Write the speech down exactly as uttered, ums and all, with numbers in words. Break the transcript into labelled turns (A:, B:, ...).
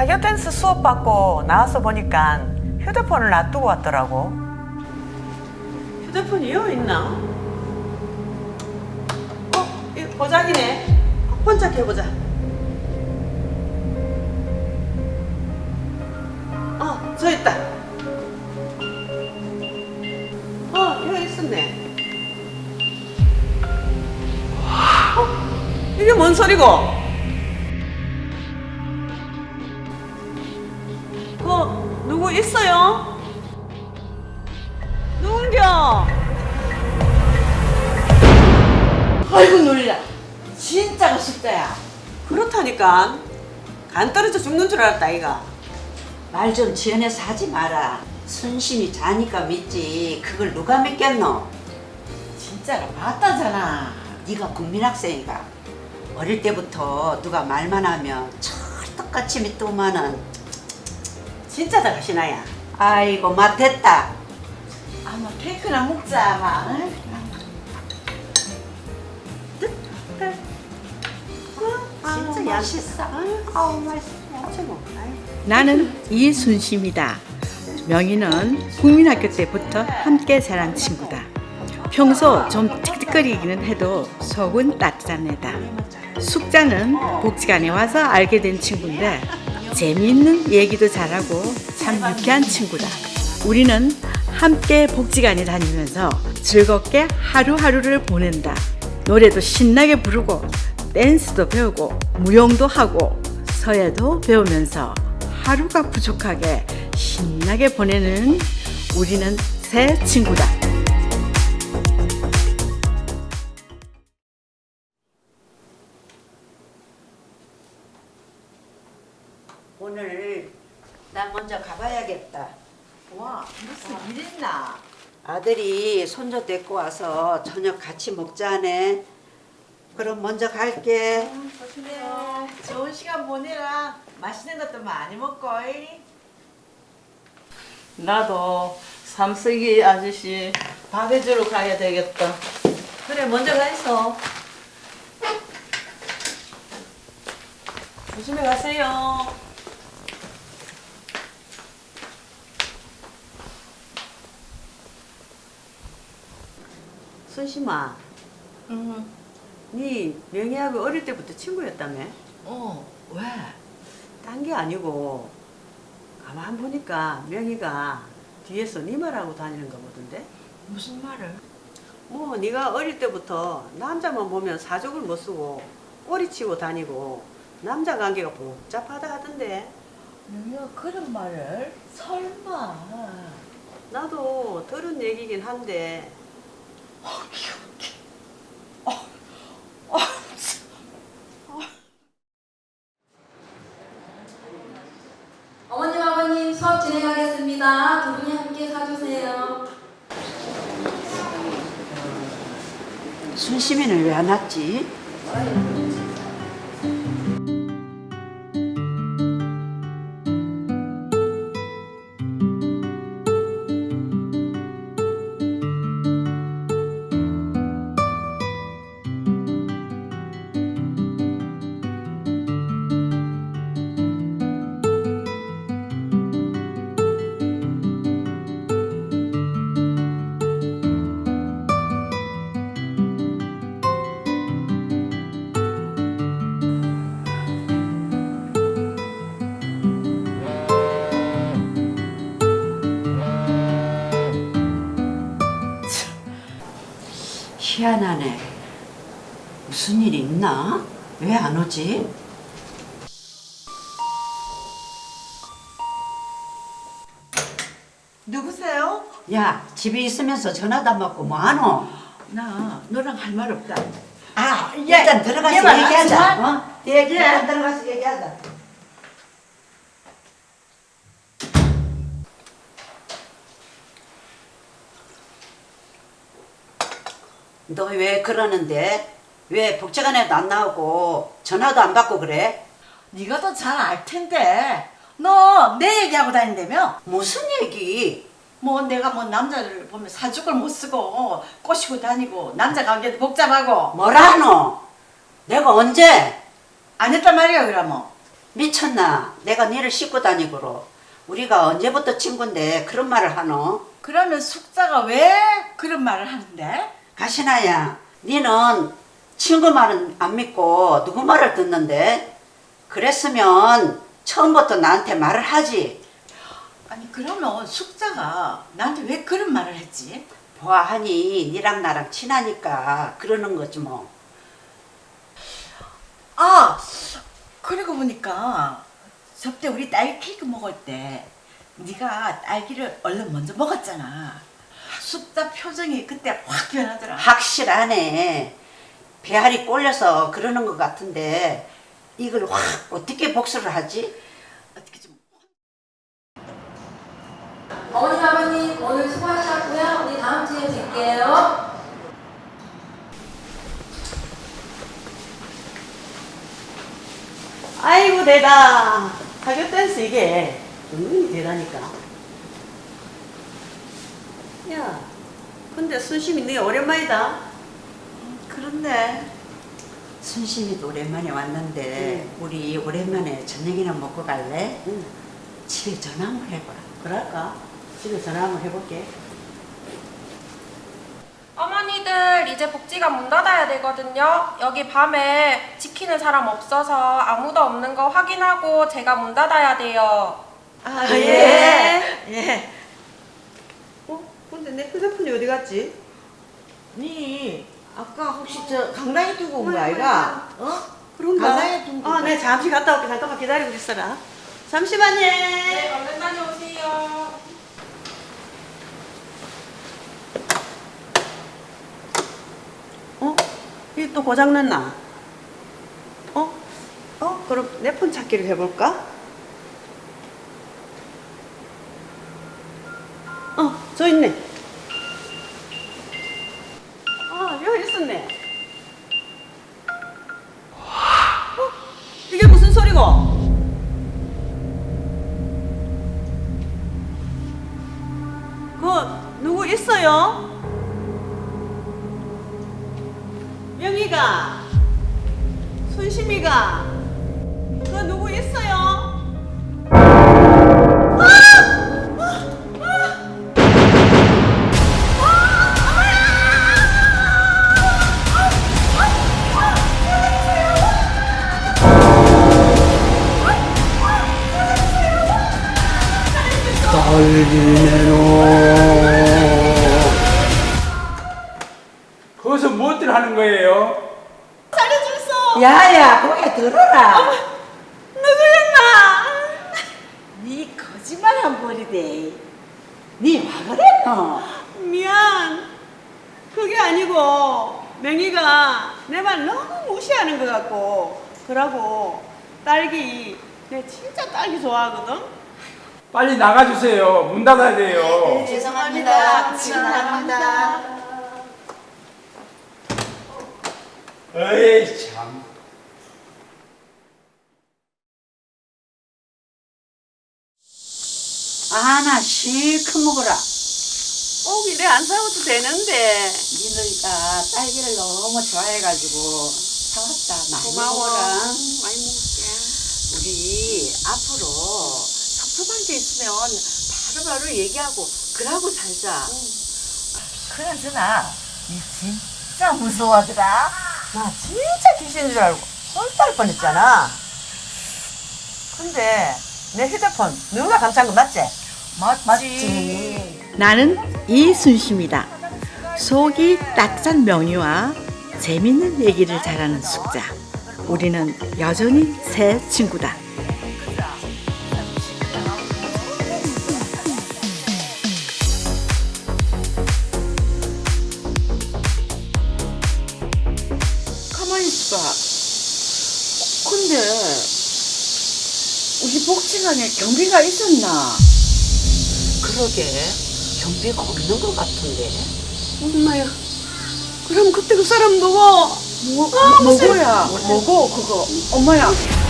A: 타격 댄스 수업 받고 나와서 보니까 휴대폰을 놔두고 왔더라고. 휴대폰이 여기 있나? 어? 이 보자기네. 혼자 해보자. 어, 저 있다. 어, 여기 있었네. 어? 이게 뭔 소리고? 그 누구 있어요? 누군겨?
B: 아이고 놀라. 진짜가 싶다야.
A: 그렇다니까. 간 떨어져 죽는 줄 알았다 이가.
B: 말 좀 지어내서 하지 마라. 순심이 자니까 믿지. 그걸 누가 믿겠노? 진짜가 맞다잖아. 네가 국민학생이가 어릴 때부터 누가 말만 하면 철떡같이 믿더만은.
A: 진짜다 가시나야.
B: 아이고 맞됐다. 아마 케이크나 먹자. 마. 진짜 맛있어. 아우 맛있어.
C: 나는 이순심이다. 명희는 국민학교 때부터 함께 자란 친구다. 평소 좀 틱틱거리기는 해도 속은 따뜻한 애다. 숙자는 복지관에 와서 알게 된 친구인데 재미있는 얘기도 잘하고 참 유쾌한 친구다. 우리는 함께 복지관에 다니면서 즐겁게 하루하루를 보낸다. 노래도 신나게 부르고 댄스도 배우고 무용도 하고 서예도 배우면서 하루가 부족하게 신나게 보내는 우리는 새 친구다.
B: 오늘 나 먼저 가봐야겠다.
D: 와, 무슨 일 있나?
B: 아들이 손주 데리고 와서 저녁 같이 먹자네. 그럼 먼저 갈게.
D: 조심해요. 좋은 시간 보내라. 맛있는 것도 많이 먹고.
E: 나도 삼석이 아저씨 밥 해주러 가야 되겠다.
A: 그래 먼저 가 있어. 조심히 가세요. 순심아,
D: 응.
A: 네 명희하고 어릴 때부터 친구였다며?
D: 어, 왜?
A: 딴 게 아니고 가만 보니까 명희가 뒤에서 네 말하고 다니는 거 보던데?
D: 무슨 말을?
A: 뭐 네가 어릴 때부터 남자만 보면 사족을 못 쓰고 꼬리치고 다니고 남자 관계가 복잡하다 하던데.
D: 명희가 그런 말을? 설마.
A: 나도 들은 얘기긴 한데.
F: 어머님, 아버님 수업 진행하겠습니다. 두 분이 함께 사주세요.
B: 순심이는 왜 안 왔지? 희한하네. 무슨 일이 있나? 왜 안 오지?
D: 누구세요?
B: 야, 집에 있으면서 전화도 안 받고 뭐 안 오?
D: 나 너랑 할 말 없다.
B: 아, 일단 들어가서
D: 얘만
B: 얘기하자.
D: 하지마.
B: 어? 예, 일단 들어가서 얘기하자. 너 왜 그러는데? 왜 복지관에도 안 나오고 전화도 안 받고 그래?
D: 네가 더 잘 알 텐데. 너 내 얘기하고 다닌다며?
B: 무슨 얘기?
D: 뭐 내가 뭐 남자를 보면 사죽을 못 쓰고 꼬시고 다니고 남자 관계도 복잡하고
B: 뭐라노? 내가 언제?
D: 안 했단 말이야 그러면.
B: 미쳤나? 내가 니를 싣고 다니고로. 우리가 언제부터 친구인데 그런 말을 하노?
D: 그러면 숙자가 왜 그런 말을 하는데?
B: 가시나야, 니는 친구 말은 안 믿고 누구 말을 듣는데? 그랬으면 처음부터 나한테 말을 하지.
D: 아니 그러면 숙자가 나한테 왜 그런 말을 했지?
B: 보아하니 니랑 나랑 친하니까 그러는 거지 뭐.
D: 아, 그러고 보니까 저때 우리 딸기 케이크 먹을 때 네가 딸기를 얼른 먼저 먹었잖아. 숙자 표정이 그때 확 변하더라.
B: 확실하네. 배알이 꼴려서 그러는 것 같은데 이걸 확 어떻게 복수를 하지?
D: 어떻게 좀
F: 어머님, 아버님 오늘 수고하셨고요. 우리 다음 주에 뵐게요.
A: 아이고 대다. 가격 댄스 이게 은근히 대다니까. 야, 근데 순심이 네 오랜만이다.
B: 그런데 순심이도 오랜만에 왔는데 우리 오랜만에 저녁이나 먹고 갈래?
A: 응.
B: 집에 전화 한번 해봐라.
A: 그럴까? 집에 전화 한번 해볼게.
G: 어머니들 이제 복지관 문 닫아야 되거든요. 여기 밤에 지키는 사람 없어서 아무도 없는 거 확인하고 제가 문 닫아야 돼요.
A: 아,
E: 예. 예.
A: 어? 근데 내 휴대폰이 어디 갔지?
E: 니 아까 혹시 저 강당에 두고 온 거 아이가? 어?
A: 그런가?
E: 강당에 둔 거.
A: 아, 네, 잠시 갔다 올게. 잠깐만 기다리고 있어라. 잠시만요.
G: 네, 얼른 다녀오세요.
A: 어? 이게 또 고장났나? 어? 어? 그럼 내 폰 찾기를 해볼까? 어, 저 있네. 아, 여기 있었네. 어? 이게 무슨 소리고? 그 누구 있어요? 명희가, 순심이가, 그 누구 있어요?
H: 거기서 무엇들 하는 거예요?
B: 야야, 거기 들어라.
A: 누구였나?
B: 니 거짓말 한 버리대. 니 와 그랬노?
A: 미안. 그게 아니고 명희가 내 말 너무 무시하는 것 같고 그러고 딸기 내 진짜 딸기 좋아하거든.
H: 빨리 나가주세요. 문 닫아야 돼요.
D: 죄송합니다. 지금 나갑니다.
H: 에이 참.
B: 아, 나 실컷 먹어라.
A: 꼭 이래 안 사와도 되는데.
B: 니네가 딸기를 너무 좋아해가지고 사왔다. 많이
A: 고마워라.
B: 먹어라.
A: 많이 먹을게.
B: 우리 앞으로 섭섭한 게 있으면 바로바로 얘기하고 그러고 살자.
D: 그나저나 니 진짜 무서워하더라. 나 진짜 귀신인 줄 알고 쏠달 뻔했잖아. 근데 내 휴대폰 누가 감싼 거 맞지? 맞지. 맞지.
C: 나는 이순심이다. 속이 따뜻한 명희와 재밌는 얘기를 잘하는 숙자. 우리는 여전히 새 친구다.
E: 가만히 있어봐. 근데 우리 복지관에 경비가 있었나?
B: 그러게 경비가 없는 것 같은데.
A: 엄마야. 그럼 그때 그 사람 누구?
E: 뭐, 뭐고야? 뭐고 그거? 엄마야.